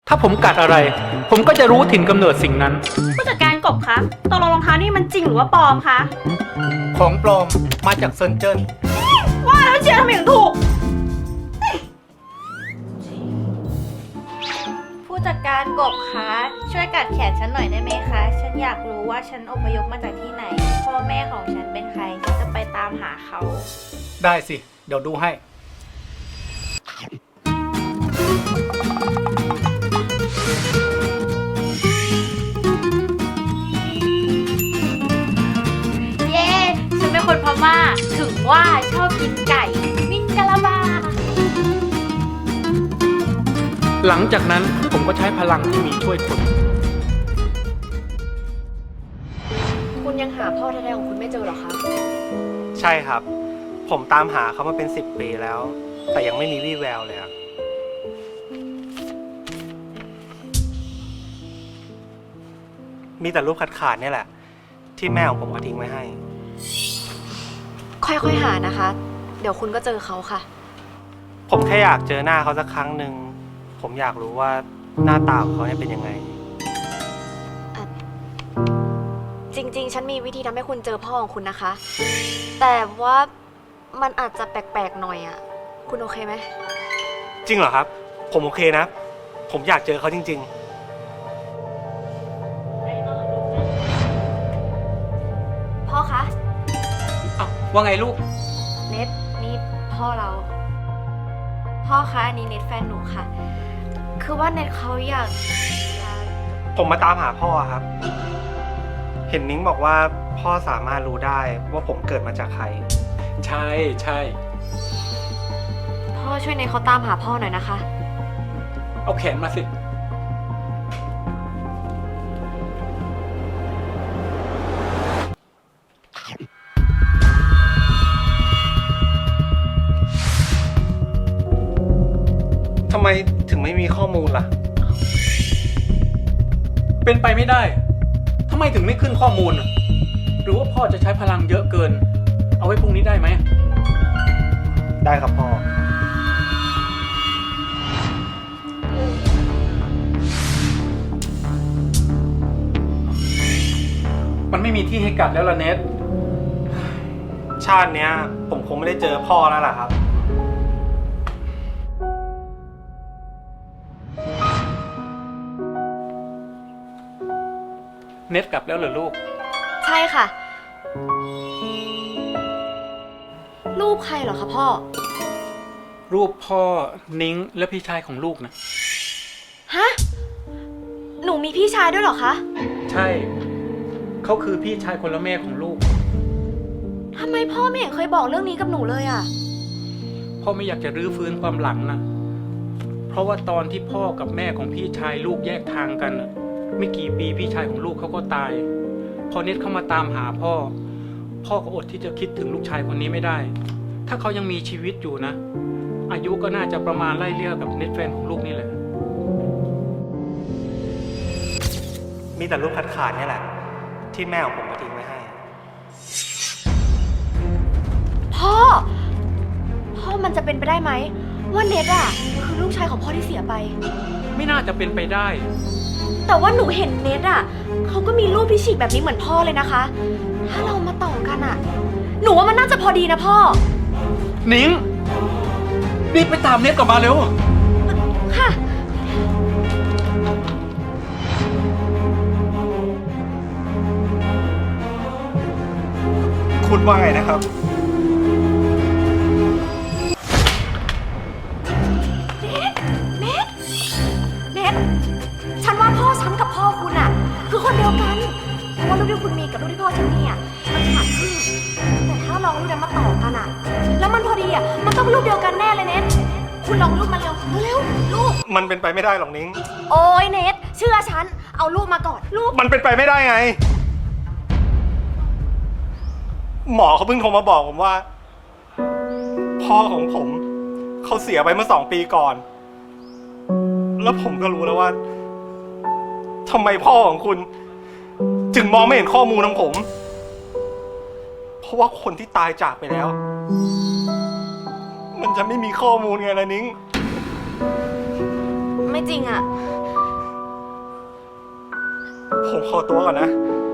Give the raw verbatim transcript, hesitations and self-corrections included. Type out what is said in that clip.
ถ้าผมกัดอะไร ผมก็จะรู้ถิ่นกำเนิดสิ่งนั้นผู้จัดการกบคะตกลงรองเท้านี่มันจริงหรือว่าปลอมคะของปลอมมาจากเซินเจิ้นว่าแล้วเชียร์ทำไมถึงถูกผู้จัดการกบคะช่วยกัดแขนฉันหน่อยได้ไหมคะ ฉันอยากรู้ว่าฉันอพยพมาจากที่ไหน พ่อแม่ของฉันเป็นใคร ฉันจะไปตามหาเขาได้สิ เดี๋ยวดูให้เย้ ฉันเป็นคนพม่า ถึงว่าชอบกินไก่มินกะลาบาหลังจากนั้นผมก็ใช้พลังที่มีช่วยคนคุณยังหาพ่อแท้ๆของคุณไม่เจอหรอคะใช่ครับ ผมตามหาเขามาเป็นสิบปีแล้ว แต่ยังไม่มีวี่แววเลยอะมีแต่รูปขาดๆเนี่ยแหละ ที่แม่ของผมเอาทิ้งไว้ให้ค่อยๆหานะคะ เดี๋ยวคุณก็เจอเขาค่ะผมแค่อยากเจอหน้าเขาสักครั้งหนึ่ง ผมอยากรู้ว่าหน้าตาของเขาเนี่ยเป็นยังไงจริงๆ ฉันมีวิธีทำให้คุณเจอพ่อของคุณนะคะ แต่ว่ามันอาจจะแปลกๆหน่อยอ่ะ คุณโอเคไหมจริงเหรอครับ ผมโอเคนะ ผมอยากเจอเขาจริงพ่อคะอ้าวว่าไงลูกเน็ตนี่พ่อเรา พ่อคะอันนี้เน็ตแฟนหนูค่ะ คือว่าเน็ตเขาอยากจะๆ ผมมาตามหาพ่อครับ เห็นนิ้งบอกว่าพ่อสามารถรู้ได้ว่าผมเกิดมาจากใครใช่ใช่พ่อช่วยเน็ตเขาตามหาพ่อหน่อยนะคะเอาแขนมาสิทำไมถึงไม่มีข้อมูลล่ะเป็นไปไม่ได้ทำไมถึงไม่ขึ้นข้อมูล หรือว่าพ่อจะใช้พลังเยอะเกิน เอาไว้พรุ่งนี้ได้ไหมได้ครับพ่อมันไม่มีที่ให้กัดแล้วล่ะเนทชาติเนี้ย ผมคงไม่ได้เจอพ่อแล้วล่ะครับเนทกลับแล้วเหรอลูกใช่ค่ะ รูปใครเหรอคะพ่อรูปพ่อนิ้งและพี่ชายของลูกนะฮะ หนูมีพี่ชายด้วยเหรอคะใช่ เขาคือพี่ชายคนละแม่ของลูกทำไมพ่อไม่เห็นเคยบอกเรื่องนี้กับหนูเลยอะพ่อไม่อยากจะรื้อฟื้นความหลังนะ เพราะว่าตอนที่พ่อกับแม่ของพี่ชายลูกแยกทางกันน่ะไม่กี่ปีพี่ชายของลูกเขาก็ตาย พอเน็ตเข้ามาตามหาพ่อ พ่อก็อดที่จะคิดถึงลูกชายคนนี้ไม่ได้ ถ้าเขายังมีชีวิตอยู่นะ อายุก็น่าจะประมาณไล่เลี่ยกับเน็ตแฟนของลูกนี่แหละมีแต่รูปขาดๆเนี่ยแหละ ที่แม่ของผมเอาทิ้งไว้ให้พ่อ พ่อมันจะเป็นไปได้ไหมว่าเน็ตอะคือลูกชายของพ่อที่เสียไปไม่น่าจะเป็นไปได้แต่ว่าหนูเห็นเน็ตอะเขาก็มีรูปที่ฉีกแบบนี้เหมือนพ่อเลยนะคะ ถ้าเรามาต่อกันอะหนูว่ามันน่าจะพอดีนะพ่อนิ้งรีบไปตามเน็ตกลับมาเร็วค่ะคุณว่าไงนะครับเน็ต เน็ต ฉันว่าพ่อฉันกับพ่อคุณอะคือคนเดียวกัน เพราะว่ารูปที่คุณมีกับรูปที่พ่อฉันมีอะมันขาดครึ่งแต่ถ้าลองรูปนั้นมาต่อกันอะแล้วมันพอดีอะมันต้องรูปเดียวกันแน่เลยเน็ต คุณลองรูปมาเร็ว เร็วๆรูปมันเป็นไปไม่ได้หรอกนิ้งโอ้ยเน็ต เชื่อฉัน เอารูปมาก่อน รูปมันเป็นไปไม่ได้ไง หมอเขาเพิ่งโทรมาบอกผมว่า พ่อของผม เขาเสียไปเมื่อสองปีก่อน แล้วผมก็รู้แล้วว่าทำไมพ่อของคุณ จึงมองไม่เห็นข้อมูลของผม เพราะว่าคนที่ตายจากไปแล้ว มันจะไม่มีข้อมูลไงล่ะนิ้งไม่จริงอะผมขอตัวก่อนนะ